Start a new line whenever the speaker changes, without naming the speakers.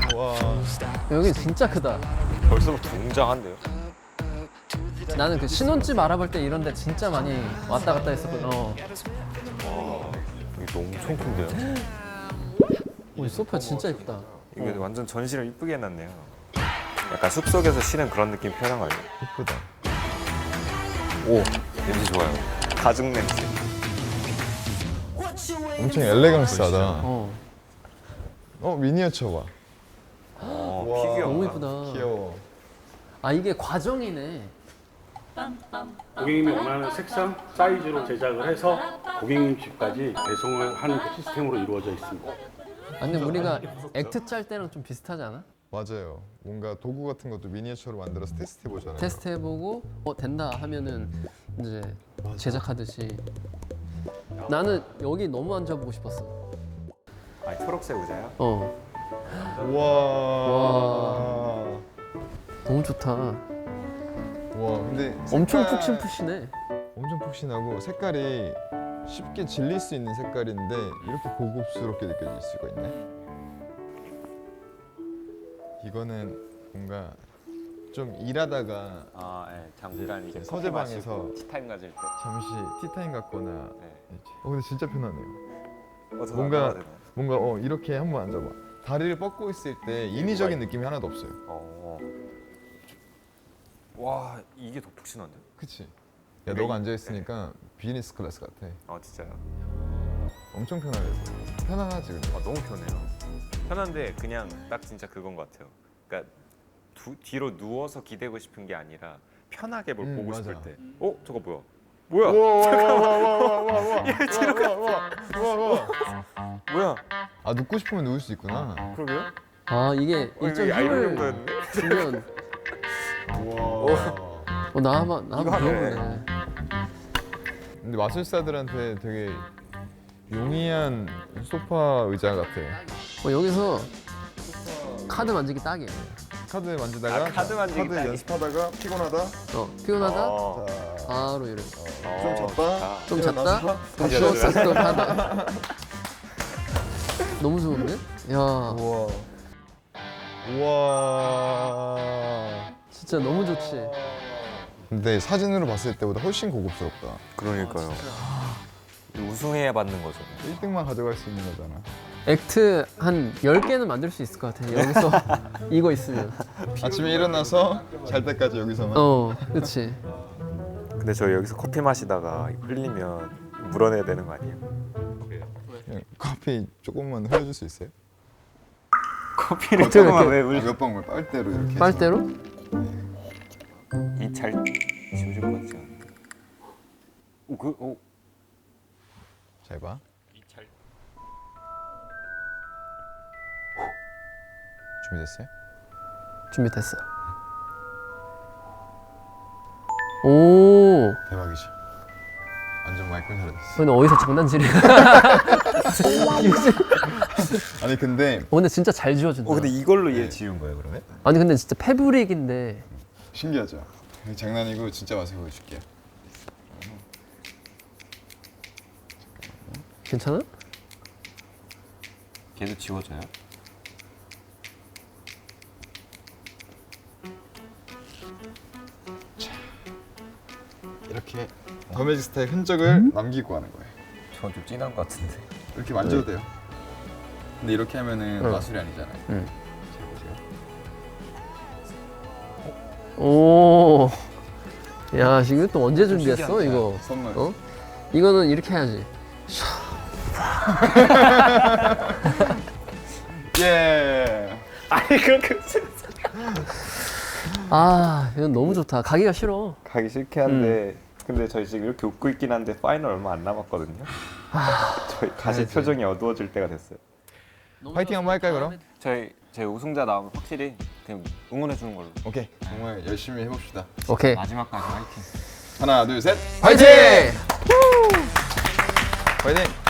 와.
여기 진짜 크다.
벌써부터 웅장한데요?
나는 그 신혼집 알아볼 때 이런 데 진짜 많이 왔다 갔다 했었거든.
이게 엄청 큰데요?
이 소파 진짜 예쁘다.
이게 완전 전시를 이쁘게 해놨네요. 약간 숲속에서 쉬는 그런 느낌 표현한 거 아니에요?
이쁘다.
오, 냄새 좋아요. 가죽 냄새.
엄청 엘레강스하다.
어.
미니어처 봐.
피규어.
너무 예쁘다.
귀여워.
아 이게 과정이네.
고객님이 원하는 색상, 사이즈로 제작을 해서 고객님 집까지 배송을 하는 그 시스템으로 이루어져 있습니다.
아, 근데 우리가 액트 짤 때랑 좀 비슷하지 않아?
맞아요. 뭔가 도구 같은 것도 미니어처로 만들어서 테스트 해보잖아요.
테스트 해보고 된다 하면은 이제 제작하듯이. 나는 여기 너무 앉아보고 싶었어.
아, 초록색 의자요?
우와.
너무 좋다.
와, 근데
엄청
색깔-
푹신푹신해.
엄청 푹신하고 색깔이 쉽게 질릴 수 있는 색깔인데 이렇게 고급스럽게 느껴질 수가 있네. 이거는 뭔가 좀 일하다가
아, 예. 잠깐 이제
서재방에서
커피 마시고 티타임 가질 때.
잠시 티타임 같거나.
네.
근데 진짜 편하네요.
저도
뭔가-
앉아야 되나요?
뭔가 이렇게 한번 앉아봐. 다리를 뻗고 있을 때 인위적인 느낌이 하나도 없어요.
와, 이게 더 푹신한데?
그치? 야, 너가 앉아 있으니까 비즈니스 클래스 같아.
진짜요?
엄청 편하겠어. 편안하지 근데.
너무 편해요. 편한데 그냥 딱 진짜 그건 것 같아요. 그러니까 뒤로 누워서 기대고 싶은 게 아니라 편하게 뭘 보고
맞아.
싶을 때. 저거 뭐야? 뭐야? 뭐야?
아, 눕고 싶으면 누울 수 있구나.
그러게요?
아 이게
이거
일정
알고리즘
힘을
거였네?
주면
우와.
나 한번
이거 하네.
배워보네.
근데 마술사들한테 되게 용이한 소파 의자 같아.
여기서 카드 만지기 딱이야.
카드 만지다가
카드 만지기
카드
딱이.
연습하다가 피곤하다.
피곤하다
어.
자,
바로 이렇게
좀 잤다.
좀 잤다
일어나서
좀
일어나서.
쉬었다 또 하다. 너무 좋은데? 야
우와. 우와.
진짜 너무 좋지.
근데 사진으로 봤을 때보다 훨씬 고급스럽다.
그러니까요. 우승해야 받는 거죠.
1등만 가져갈 수 있는 거잖아.
액트 한 10개는 만들 수 있을 것 같아. 여기서 이거 있으면.
아침에 일어나서 잘 때까지 여기서만.
그렇지.
근데 저 여기서 커피 마시다가 이거 흘리면 물어내야 되는 거 아니에요?
그냥 커피 조금만 흘려줄 수 있어요?
커피를
어떻게
조금만
이렇게-
왜 흘리?
몇 방울 빨대로 이렇게. 해서.
빨대로?
이잘 지워질 것 같지 않은데?
잘 봐.
이잘
준비됐어요?
준비됐어. 오.
대박이지. 완전 마이클 잘했어.
근데 어디서 장난질이야?
아니 근데
근데 진짜 잘 지워준다.
근데 이걸로 얘 지운 거예요 그러면?
아니 근데 진짜 패브릭인데.
신기하죠? 장난이고 진짜 맛을 보여줄게요.
괜찮아?
걔도 지워져요?
이렇게 더매직 스타의 흔적을 남기고 하는 거예요.
저건 좀 진한 것 같은데.
이렇게 만져도 돼요. 근데 이렇게 하면은 마술이 아니잖아요.
응.
잘 보세요.
오. 야 지금 또 언제 준비했어 이거?
선물.
이거는 이렇게 해야지.
예.
아니 그렇게
이건 너무 좋다. 가기가 싫어.
가기 싫긴 한데 근데 저희 지금 이렇게 웃고 있긴 한데 파이널 얼마 안 남았거든요. 저희 다시 표정이 어두워질 때가 됐어요.
파이팅 한번 할까요 그럼?
저희 우승자 나오면 확실히 그냥 응원해 주는 걸로.
오케이. 정말 열심히 해봅시다.
오케이.
마지막까지 화이팅.
하나 둘 셋.
파이팅!
파이팅.